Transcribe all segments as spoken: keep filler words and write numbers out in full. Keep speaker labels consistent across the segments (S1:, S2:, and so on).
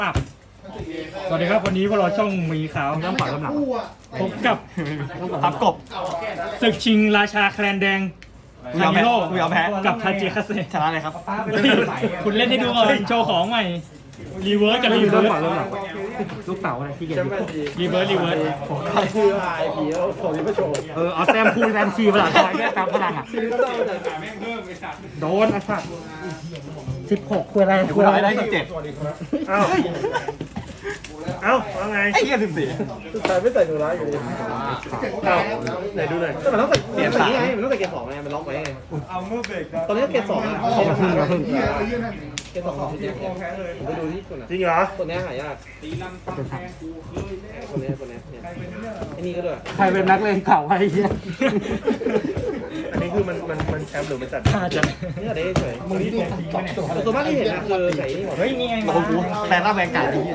S1: สวัสดีครับวันนี้พวกเราช่องมีขาวน้ำขวาน้ำหนักพบกับ
S2: ทับกบ
S1: ศึกชิงราชาแคลนแดงคามิโร่
S2: กูยอมแพ้
S1: กับทาจิคาเซ
S2: ชนะเลยครับ
S1: คุณเล่นให้ดูก่อนโชว์ของใหม่รีเวิร์สกับรีเวิร์ส
S3: ลูกเต๋าอะไรที่เกียจ
S1: รีเวิร์สรีเวิร์ส
S3: คือไอพีแล้วผมยังไม่โชว์เออเอาแต้มคูณแต้มชีภาษาไทยเนี่ยตามพลังอ่ะโดนไอ้สัตว์สิบหกคุยอะไร
S2: กูทำให้ได้สิบเจ็ด
S3: เอ้าเอ้าว่าไง
S2: ไอ้เหี้ยสิบสี่
S3: สุดท้ายไม่ใส่หนูร้ายอยู่ดีเอ้าไหนดูหน่อยแต่มันต้องใส่เกียร์สามไงมันต้องใส่เกียร์สองไงมันล็อกไว้ไงตอนนี้เกียร์สองอ่ะเขาพึ่งเขาพึ่งเกียร์สองของที่ผมไปดูที่ตัวไหนจริงเหรอตัวนี้หายากตัวนี้ตัวนี้เนี่ยไอ้นี่ก็ด้วยใครเป็นนักเลงเก่าไอ้เหี้ยอันนี้คือมันมันมันแชมป์หรือมันจัด
S1: น่าจะ
S3: นี่อะไรเฉยมึงนี่ตัวตัวมากที่เห็นนะคือใส่นี่หมด
S1: เฮ้ยนี่ไง
S2: โอ้โหแฟนหน้าแบงก์การ์ดที่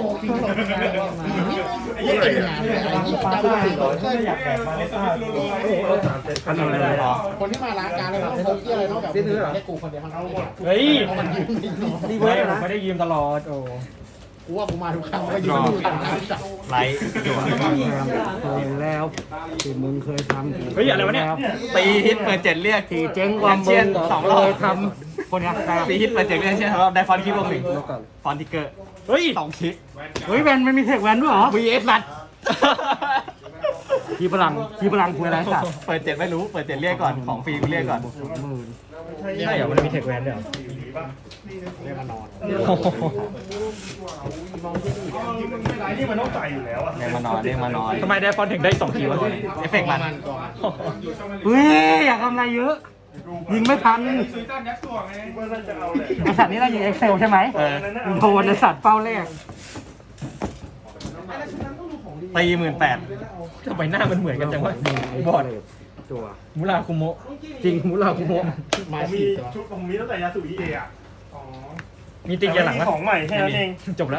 S3: นี่เป็นงานปลาปลาสี่ร้อย
S1: อยากแบบมาเลต้า
S3: อันนั้นอะไรหรอ
S4: คนที่มาร้านการเลยแบบพกที่อะไรนอกจากแค่กูคนเดียวทั้งนั้นเลย
S1: เฮ้ย
S3: ดี
S1: ไม่
S3: เว้ย
S1: ผม
S3: นะ
S1: ไม่ได้ยืมตลอดโอ้
S4: กูว่ากูมาทุกครั้งก็ยืนดูกันนะ
S2: ไลท์จั่ว
S3: เคยแล้วที่มึงเคยทำ
S1: เฮ้ยอะไรวะเนี่ย
S2: ตีฮิตเปิดเจ็ดเรียก
S3: ที่เจ๊งความมึง
S2: สองรอบ
S3: เคยทำคนเนี้ยได้
S2: ตีฮิตเปิดเจ็ดเรียกใช่ไหมครับได้ฟอนต์คิปลงหนึ่งฟอนต์ทิกเกอร์
S1: เฮ้ย
S2: สองคลิก
S3: เฮ้ยแวนมันมีเทคแวนด้วยเหรอ
S2: วีเอสนัด
S3: ทีพลังทีพลังคุยอะไรสัตว์
S2: เปิดเจ็ดไม่รู้เปิดเจ็ดเรียกก่อนของฟรีกูเรียกก่อน
S3: สองหมื่น
S1: ใช่เหรอมันมีเทคแวนด้วยเหรอ
S4: เรียกมานอน
S3: นี่มันต้องใส่อยู่แล้วอ่ะ
S2: เรียกมานอนเรียกมานอน
S1: ทำไมได้ฟอนต์ถึงได้สองทีวะ
S2: เอฟเฟกต์มัน
S3: เฮ้ยอยากทำอะไรเยอะ ยิงไม่ทันไอสัตว์นี่เรายิงเอ็กเซลใช่ไหม
S2: เออ
S3: โดนไอสัตว์เป้าแรก
S2: ตีหมื่นแปด
S1: ทำไมหน้ามันเหมือนกันจังวะบอด
S3: ตัว
S1: มุราคุโมะ
S3: จริงมุลาคุโมะ
S4: มา
S5: มี
S4: สี่ตัว
S5: ชุดผมมีตั้งแต่ยาสุอิเอะอ่ะ
S1: มีติงยาหลัง
S5: แต่
S1: วะ
S5: ไม่มีของใหม่แค่นั้นเอง
S1: จบแล้ว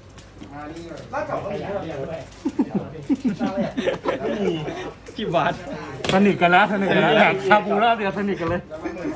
S5: ไม่มี
S1: ที่บาส
S3: สนิทกันแล้วสนิทกันแล้วแหกชาบูรอบเดียวสนิทกันเลย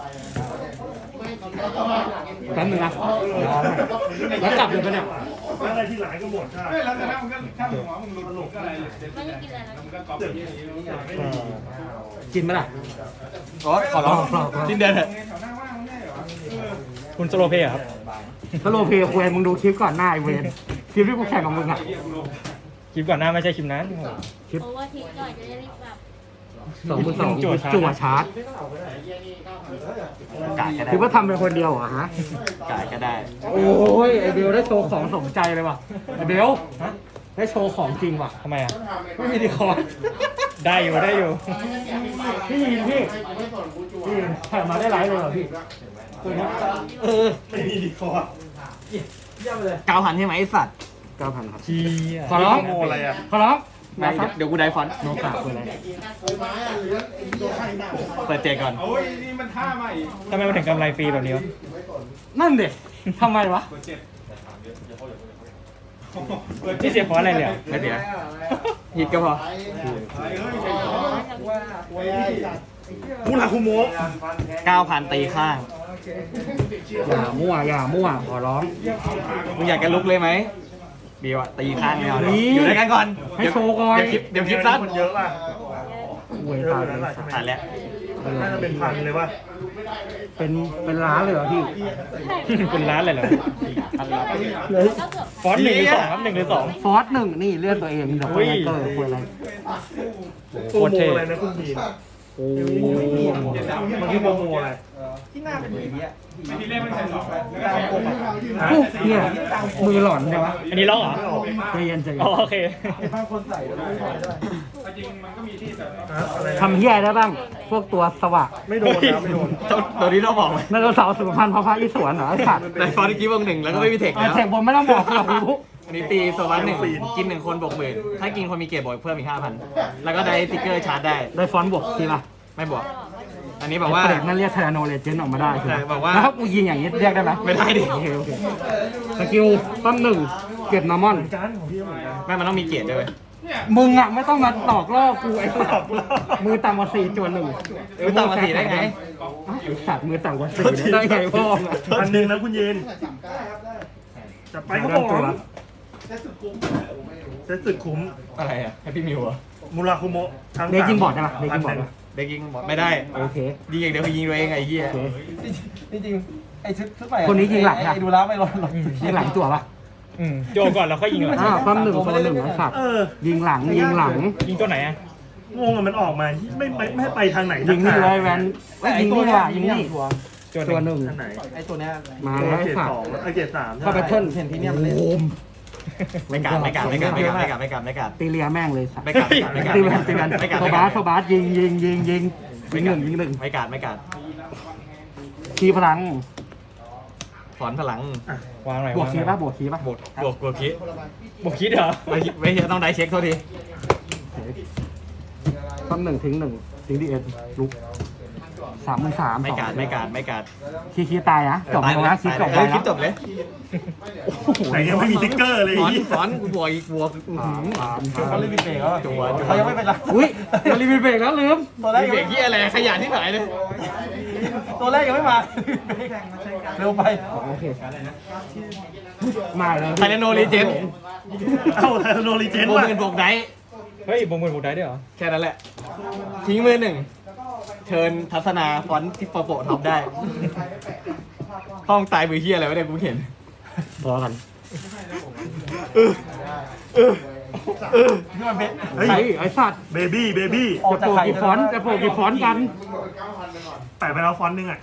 S3: แป๊บนึงนะแล้วกลับเลยปะเนี่ย
S5: แล้วอะไรที่หลายก็หมดใช่
S6: แล้วแต่แล้วมันก็ถ้าหัวมึงหลุดหลุดก็อะไรไม่ได้กินอะไรแล้วมันก็ก๊อปอย่างนี้
S3: กินไหมล่ะ
S2: โอ้ขอร้องสิ้นเดือนเถอะ
S6: แถวหน้าว่างไม่ได้เหรอ
S1: คุณโซโลเพย์ครับ
S3: ถ้าโลเพย์ควยมึงดูคลิปก่อนหน้าไอเวนคลิปที่กูแข่งกับมึงอ่ะ
S1: คลิปก่อนหน้าไม่ใช่คลิปนั้น
S3: คลิป
S7: โอเวอร์ทิกก่อนจะได้รีบกลับ
S3: สองพันสอง
S1: จั่วชาร์จ
S3: จั่วชาร์จ
S2: กาดก็ได้
S3: คิดว่าทำเป็นคนเดียวเหรอฮะ
S2: กาดก็ได้
S3: โอ้ยไอเบลได้โชว์ของสมใจเลยว่ะไอเบล
S1: ฮะ
S3: ได้โชว์ของจริงว่ะ
S1: ทำไมอ่ะ
S3: ไม่มีดีคอร์ด
S1: ได้อยู่ได้อยู่
S3: พี่ยินพี่พี่ยินถ่ายมาได้ไลฟ์เลยเหรอพี่ตัวนี้เออ
S5: ไม่มีดีคอร์
S2: เก้าพันใช่ไหมไอสัตว์
S3: เก้าพันครับ
S1: เชี่ย
S3: ขอร้อง
S5: โมอะไรอ่ะ
S3: ขอร้อง
S2: ไม่เดี๋ยวกูได้ฟอนต์
S3: โนกาคืออะไร
S2: เปิดเจ็ดก่อน
S6: โอ้ยนี่มันท่าใหม่
S1: ทำไมมันถึงกำไรฟรีแบบนี้วะ
S3: นั่นเด็ทำไมวะ
S1: นี่เสียเพราะอะไรเนี่ย
S2: ไม่เสียฮิตก็พอ
S5: มูราคุโมะ
S2: เก้าพันตีข้าง
S3: อย่ามั่วอย่ามั่วขอร้อง
S2: มึงอยากจะลุกเลยไหมบีวะตีข้างไม่เอาเลย
S3: นี่
S2: อยู่ด้วยกันก่อน
S3: ให้โชว์ก่อน
S2: เดี๋ยวคลิปเดี๋ยวคลิปสั้น
S5: คนเยอะป่ะ
S3: เวย
S5: เย
S3: ตา
S5: อะ
S3: ย
S5: นั่น
S3: เล
S5: แหละ
S3: ย
S5: ใช่ไหม
S2: ผ่านแล้ว
S5: น่าจะเป็นพันเลยป่ะ
S3: เป็นเป็นร้านเลยเหรอพี่
S1: เป็นร้านเลยเหรอ
S3: เลย
S7: ก็เกือบ
S1: ฟอนต์หนึ่งหรือสองครับหนึ่งหรือสอง
S3: ฟอสหนึ่งนี่เลื่อนตัวเองเดี๋ยวไปเตอร์คุยอะไร
S5: โปรโมอะไรนะคุณบีน
S3: โอ้
S5: มันคือโปรโมอะไร
S6: ไม่ที่เล่นไม่ใช่หรอก
S3: เนี่ยมือหลอนใช่ปะ
S1: อันนี้ล็อกเหรอ
S3: ใจเย็นใจเย็
S1: อ๋อน โอเค
S6: จริงมันก็มีที่แต่
S5: ฮะอะไรนะ
S3: ทำเฮียได้บ้าง พวกตัวสว่าง
S5: ไม่โดนนะไม่โดน
S2: ตัวนี้ต้องบอกไหม
S3: นั่นเราสาวสุขภัณฑ์พระพระอิศวรเหรอไอ้สัตว์
S2: ในฟอนต์กี้วงหนึ่งแล้วก็ไม่มีเทค
S3: ไอ้
S2: แล้ว
S3: เทคบนไม่ต้องบอกหรอกรู้
S2: อันนี้ตีโซวันหนึ่งกินหนึ่งคนบวกหมื่นถ้ากินคนมีเกรดบวกเพิ่มอีกห้าพันแล้วก็ได้สติ๊กเกอร์ชาร์จได้
S3: ได้ฟอนต์บวกทีละ
S2: ไม่บวก อันนี้บอกว่า
S3: ไอ้เปรตนั่นเรียกเทอร์โนเลเจนออกมาได้ใช่ไหม
S2: ใช่บอกว่า
S3: แล้วถ้ากูยิงอย่างนี้เรียกได้ไหม
S2: ไม่ได้ดิ
S3: โอเคโอเคสกิลต้นหนึ่งเก็บนอร์มอน
S5: การของพี่เหมือนกัน
S2: ไม่มันต้องมีเกรดด้วย
S3: มึงอ่ะไม่ต้องมาตอกล่อกูไอ้สัตว์มือต่ำกว่าสี่จวนหนึ่ง
S2: มือต่ำกว่าสี่ได้ไง
S3: ไอ้สัตว์มือต่ำกว่าสี่ได้ไงพ่อมึงอะ
S5: พันหนึ่งนะคุณเย็นจะไปก็บอก
S3: ตัว
S5: เซ็ตสุดคุ้ม
S2: อะไรอะแฮปปี้มิวอะ
S5: มูราคุโมะทั้ง
S3: เด็กยิงบอร์ดได้ปะ
S5: พั
S3: เด็กยิงบอร์ด
S5: นหนึ่
S3: ปะ
S2: เด็กยิงบอกไม่ได้
S3: โอเค
S2: ยิงอย่างเดียวคือยิงตัวเองไอ้เหี้ย
S3: โอเค
S7: จริงๆไอ้ชุดชุดใหม่อะ
S3: คนนี้ยิงหลังอะ
S7: ไอ้ดูแล้วไม่ร้อนหรอก
S3: ยิงหลังจั่วปะ
S1: อืมโยก่อนแล้วค่อยยิงหลัง
S3: อ้าวความหนึ่งโซนหนึ่งไอ้สัตว์
S5: เออ
S3: ยิงหลังยิงหลัง
S1: ยิงตัวไหนอ่ะ
S5: งงอะมันออกมาไม่ไม่ไม่ให้ไปทางไหน
S3: ยิงนี่เลยแวนเอ้ยยิงนี่ว่ะยิงนี่
S7: ตัว
S3: ตัวหนึ่ง
S5: ทางไหน
S7: ไอ้ตัวเนี้ย
S3: มาแล้วไอ้
S5: เกรด
S3: สัต
S5: ส
S3: ว์
S5: องไอเกรดสาม
S3: เข้าไปเทิร์น
S7: เห็นที่เนี่ยมันเล่น
S3: โอม
S2: ไม่กัดไม่กัดไม่กัดไม่กัดไม่กัดไม่กัดไม่กัด
S3: ตีเลียแม่งเลยสัตว์
S2: ไม่กัดไม่กัด
S3: ตีแวนตีแวน
S2: ไม่กัด
S3: โซบาสโซบาสยิงยิงยิงยิงยิงหนึ่งยิงหนึ่ง
S2: ไม่กัดไม่กัด
S3: คีพลัง
S2: ถอนพลัง
S1: วางหน่อย
S3: บวกคี
S1: างหน่อย
S3: ป่ะบวกคีป่ะ
S2: บวกบวกบวกคิด
S1: บวกคิดเหรอ
S2: ไม่ไม่ใช่ต้องได้เช็คเท่าที
S3: ต้นหนึ่งทิ้งหนึ่งทิ้งดีเอ็นลุกสามหมื่นสาม
S2: ไม่กัดไม่กัดไม่กัด
S3: คีคีตายนะจบแล้วนะคีจบ
S2: เอ
S3: ไป
S2: อคิ
S3: แล้
S2: ด
S3: ว
S2: จบเลย
S5: ไหนยังไม่มีติ๊กเกอร์เลย
S2: ถอน
S5: อีก
S2: ถอนกูบวกอีกบวก
S3: สามสาม
S7: เขาเล่นมีเบรกแล้ว
S2: จัวจัว
S7: เขายังไม่เป็นไร
S3: อุ้ยมารีวิวเบรกแล้วลืม
S7: ตัวแรก
S2: มี
S7: ยัง
S2: เบร
S7: ไม่
S2: กที่อะไรขยันที่ไหนเลย
S7: ตัวแรกยังไม่มาเร็วไป
S3: โอเคมาเลย
S2: ไทเลโนรีเจน
S5: เอ้าไทโนรีเจน
S2: บวก
S5: ว่ะ
S2: หมื่นบวกได
S1: เฮ้ยบงมือบวกได้ด้วยเหรอ
S2: แค่นั้นแหละ ทิ้งมือหนึ่งเชิญทัศนาฟอนต์ที่โปรโปรท็อปได้ ห้องตายมือเฮียอะไรวะเนี่ยกูเห็น
S3: พอกัน
S2: เออเออเออ
S7: ที่มันเป็น
S5: เฮ้ย
S3: ไอ้ไอ้สัตว์
S5: เบบี้เบบี้
S7: ออก
S3: จะ
S7: จาก
S3: โปร
S7: ไข่
S3: กี่ฟอนต์จะโปรกี่ฟอนต์กัน
S5: แปะไปแล้วฟอนต์หนึงอ่ะ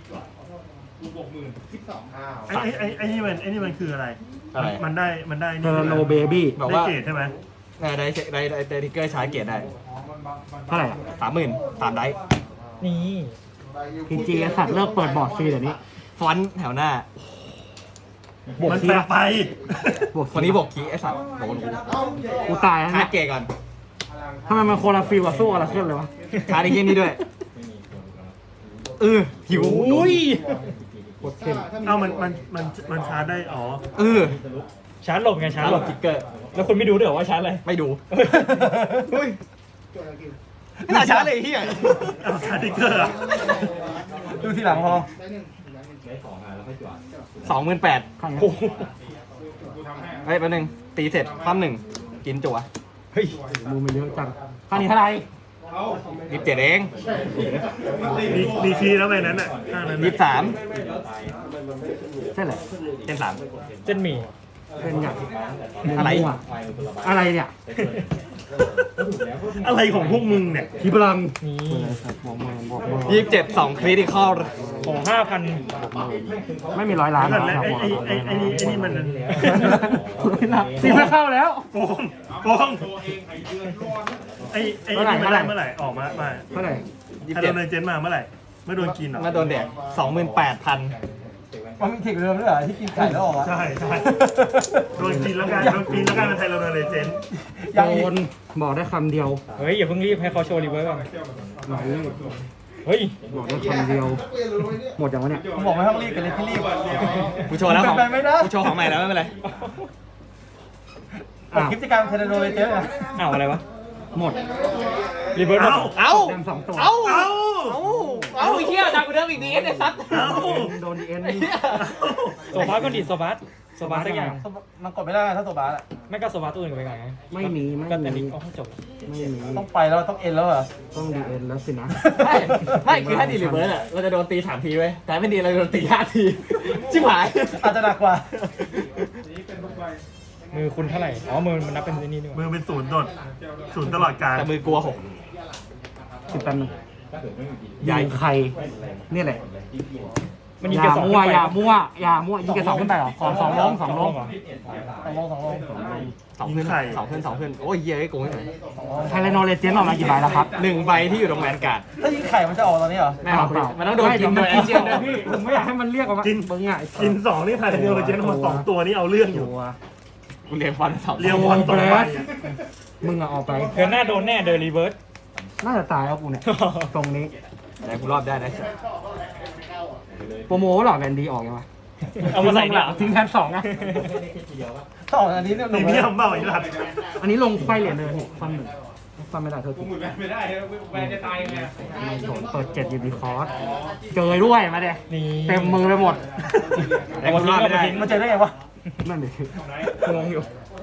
S5: ไอ้ไอ้ไอ้ไอ้นี่มันไอ้นี่มันคืออะไร
S2: อะไร
S5: มันได้มันได้
S3: เท
S5: นี่
S3: อร์โนเบบี้
S2: บอก
S5: ได้
S2: ว่า
S5: เกรดใช่ไหม
S2: เออได้เช็คได้ได้ได้ทิกเกอร์ชาร์จเกียรได้
S3: เท่าไหร่อะ
S2: สามหมื่นสามได้
S1: นี่
S3: พีจีไอ้สัตว์เลิกเปิดบอร์ดฟรีเดี๋ยวนี้
S2: ฟอนต์แถวหน้า
S3: บวก
S5: มัน
S3: คี
S5: แปล
S3: ป่ะ
S5: ไป
S3: บวก
S2: คนนี้บอกคีไอ้สัตว์โดนกู
S3: กูตายแล้ว
S2: ชา
S3: เนี่
S2: ร์จ
S3: ย
S2: เกียร์ก่อน
S3: ทำไมมันโคนละฟิลกับสู้อะไรขึ้นเลยวะ
S2: ชาร์จไอ้เกมนี้ด้วยเออหิว
S1: อุ้ย
S3: กดเข้ม
S5: เอ้ามันมันมันมันชาร์จได้อ๋อ
S2: เออ
S1: ชาร์จหลบไงชา
S2: ชา
S1: ร์
S2: ร์
S1: จ
S2: จ
S1: ห
S2: ห
S1: ล
S2: ล
S1: บบ
S2: ทิกเกอร์
S1: แล้วคุณไม่ดูด้วยเหรอว่าชาร์จอะไร
S2: ไม่ดู
S1: เฮ้ย
S2: ไม่น่าชาร์จเลยไอ้เฮีย
S5: เอาชาร์จติ๊กเกอร์อะ
S7: ดูทีหลังพอ
S2: สองหมื่นแปด
S3: ข้างนี้
S1: โอ้โห
S2: เฮ้ยแป๊บนึงตีเสร็จความหนึ่งกินจั่ว
S1: เฮ้ย
S3: มูมันเยอะจังข้างนี้เท่าไหร่
S2: ยี่สิบเจ็ดเอง
S5: มีมีคีย์แล้วไปนั้นอ่ะข้างนั้น
S2: ยี่
S5: น่ะ
S2: สิบสาม
S3: ใช่แหละ
S2: เป็นสาม
S1: เส้นหมี่
S3: เป็นอย่าง
S2: อะไร
S3: มั่วอะไรเนี่ย
S5: อะไรของพวกมึงเนี่ย
S3: คีพลัง
S1: นี่
S3: บอกมือบอกมือ
S2: ยี่สิบเจ็ดสองคริติคอล
S1: ขอห้าพัน
S3: ไม่มีร้อยล้าน
S5: แล้วไอ้ไอ้ไอ้ไอ้นี่ไอ้นี่มัน
S3: ตีไม่เข้าแล้ว
S5: โกงโกงไอ้ไอ้ไอ้นี่มันได้เมื่อไหร่ออกมามา
S3: เท่าไหร่
S2: ยี่
S5: ไอ้
S2: สิบ
S5: โด
S2: เจ็ด
S5: นเจนมาเมื่อไหร่เมื่อโดนกินเหรอ
S2: มาโดนแดกสองหมื่นแปดพัน
S7: มันมีเทคเดิมด้วยเหรอที่กินไก่แล้วออกอะ
S5: ใช่ใช่โดนกินแล้วกันโดนกินแล้วกันเป็นไทโรโนเลเจน
S7: ยัง
S3: โด
S7: อีก
S3: นบอกได้คำเดียว
S1: เฮ้ยอย่าเพิ่งรีบให้เขาโชว์รีเวิร์สก่อน
S3: ไหน
S1: เฮ้ย
S3: บอกได้คำเดียว หมดอย่างวะเนี่ย
S7: ผมบอกไม่ต้องรีบกันเลยพี่รีบ
S2: กูโชว์แล้วของ
S7: เป็นไปไม่ได้
S2: กูโชว์ของใหม่แล้วไม่เป็นไร
S7: ออกคลิปกิจกรรมเทเลโนเวเจอร์นะ
S1: อ้าวอะไรวะ
S3: หมด
S1: รีเวิร์ส
S5: เอ้า
S2: เอ้า
S3: แดมสองตัว
S2: เอ้า
S5: เอ้า
S2: เอ้าเอ้าไอ้เหี้ยดังกว่าเดิมอีกดีไอ้สัตว์
S5: เอ้า
S3: โดนดีเอ็น
S1: โซบาสก็ดีโซบาสโซบาสสักอย่าง
S7: มันกดไม่ได้ถ้าตัวบาสอะ
S1: ไม่ก็โซบาสตัวอื่นก็ไปไง
S3: ไม่มีไม่
S1: ก็แต่
S3: มี
S1: นี้โอ้จบ
S3: ไม่มี
S7: ต้องไปแล้วต้องเอ็นแล้วเหรอ
S3: ต้องดีเอ็นแล้วสินะ
S2: ไม่ไม่คือถ้าดีรีเวิร์สอะเราจะโดนตีสามทีเว้ยแต่ไม่ดีเราโดนตีห้าทีชิบหาย
S7: อาจจะหนักกว่า
S1: มือคุณเท่าไหร่อ๋อมือมันนับเป็นนี่นี่ห
S5: มื
S1: ว่า
S5: อเป็นศูนย์โดดศูนย์ตลอดการ
S2: แต่มือกลัวหก
S3: สิบแปดหนึ่ง
S2: ใหญ่
S3: ยิงใครนี่แหละ
S1: มันยิง
S3: อ
S1: แค่
S3: ย่า
S1: สอง
S3: มั่ว
S1: ขึ้นไป
S3: อย่ามั่วอย่ามั่วยิงกระสองขึ้นไปเหรอขอสองลงสองลง
S1: เหรอ
S7: สองโมงสองโมง
S2: สองขึ้นสองขึ้นสองขึ้นโอ้ยเหี้ยไอ้โกงให้หน่อย
S3: ไทเลโนเลเจนออกมากี่ใบแล้วครับ
S2: หนึ่งใบที่อยู่ตรงแวนการ์ด
S7: ถ้ายิงไข่มันจะออกตอนนี้เหรอ
S2: ไม่เอามันต้องโดนกินโดยไอเจียนด้วย
S3: พี่ผมไม่อยากให้มันเรียกออกมา
S5: กิน
S3: เบิ้งอ่ะ
S5: กินสองนี่ไทโรโนเจนมาสองตัวนี่เอาเรื่องอยู่
S3: ตัว
S2: กูเรียนฟอนต์สอง
S5: เรียวบอลต่อไป
S3: มึงอะออกไป
S1: เธอหน้าโดนแน่เดินรีเวิร์ส
S3: น่าจะตายแล้วกูเนี่ย ตรงนี้
S2: แต่กูรอบได้นะ
S3: โปรโมหรอแวนดีออกยังวะ
S1: เอามาใส่หลัง
S3: ทิ้งแทนสองอะ
S7: ถ้าออกอันนี้เนี่ยห
S5: มี
S7: นุ่ม
S5: เมีย
S7: แล้ว
S5: มเปล่าไอ้หลัด
S3: อันนี้ลงไขว้เหรียญเลยฟันหนึ่งฟันไม่ได้เธอผมไม่ได้แวนจะตายยังไงเปิดเจ็ดยูนิคอร์สเจอด้วยมาเด็
S1: นี่
S3: เต็มมือไปหมด
S2: แต่กูรอบไม่ได้
S7: มันเจอได้ไงวะนั่นดิ
S2: งงอยู่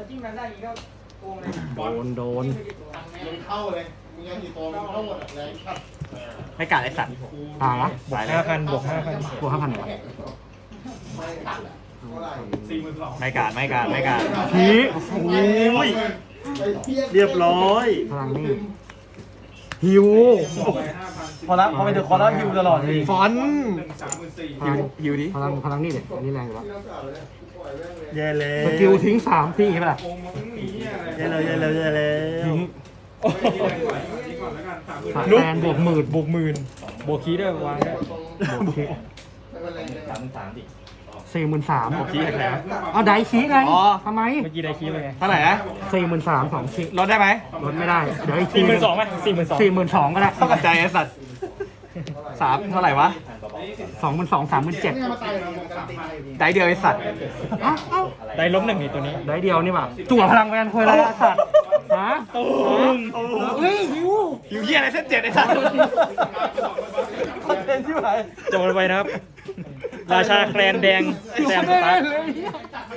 S7: โดนโดน
S4: เข้าเลยมีเงินกี่ตัวเข้าหมดแรงขัด
S2: ไม่กล้าไอ้สัตว์
S7: ตายละ
S1: บวกห้าพันบวกห้าพัน
S7: บวกห้าพันเหรอ
S2: ไม่กล้าไม่กล้าไม่กล้า
S7: ที
S5: โอ้ยเรียบร้อย
S7: พลังนี่ฮิว
S3: พอละพอไปเดอะคอร์แล้วฮิวตลอดเลย
S2: ฟอนต์
S7: พลัง
S2: ฮิวดิ
S7: พลังพลังนี่เด็อันนี้แรงอยู่แล้ว
S5: แย่แล้ว
S7: สกิลทิ้งสามทิ้งใช่ปะล่ะ
S5: แย่แล้วแย่แล้วแย่แล้ว
S7: ทิ้ง
S1: ลุก
S7: แฟนบวกหมื่น
S1: บวกหมื่นบวกคีย์ด้วยวางได้
S7: บวกคิกสี่หมื่นสามบวกคิกอะไรเอาไดคิกไงทำไม
S1: เมื่อกี้ได้คีย์ไปไง
S2: เท่าไหร่นะ
S7: สี่หมื่นสามสองคิก
S2: ลดได้ไหม
S7: ลดไม่ได้เดี๋ยวอีกที
S1: สี่หมื่นสองไหมสี่หมื่นสอง
S7: สี่หมื่นสองก็ได้
S2: เข้ากับใจไอ้สัตว์สามเท่าไหร่วะ
S7: สองหมื่นสองสามหมื่นเจ็ด
S4: เนี่ยมาตายเลยมันการันตี
S2: ได้เดียวไอ้สัตว์
S7: เอ้าเอ้า
S1: ได้ล้มหนึ่งนี่ตัวนี้
S7: ได้เดียวนี่ป่ะจั่วพลังแวนคุยอะไรอะสัตว์ฮะ
S1: ตูม
S7: เฮ้ยหิว
S2: ฮิวเหี้ยอะไรเส้นเจ็ดไอ้สัตว์
S3: คอนเทนต์ที่ไหน
S1: จบไปนะครับ ราชาแคลนแดงแซมสตาร์
S7: เลย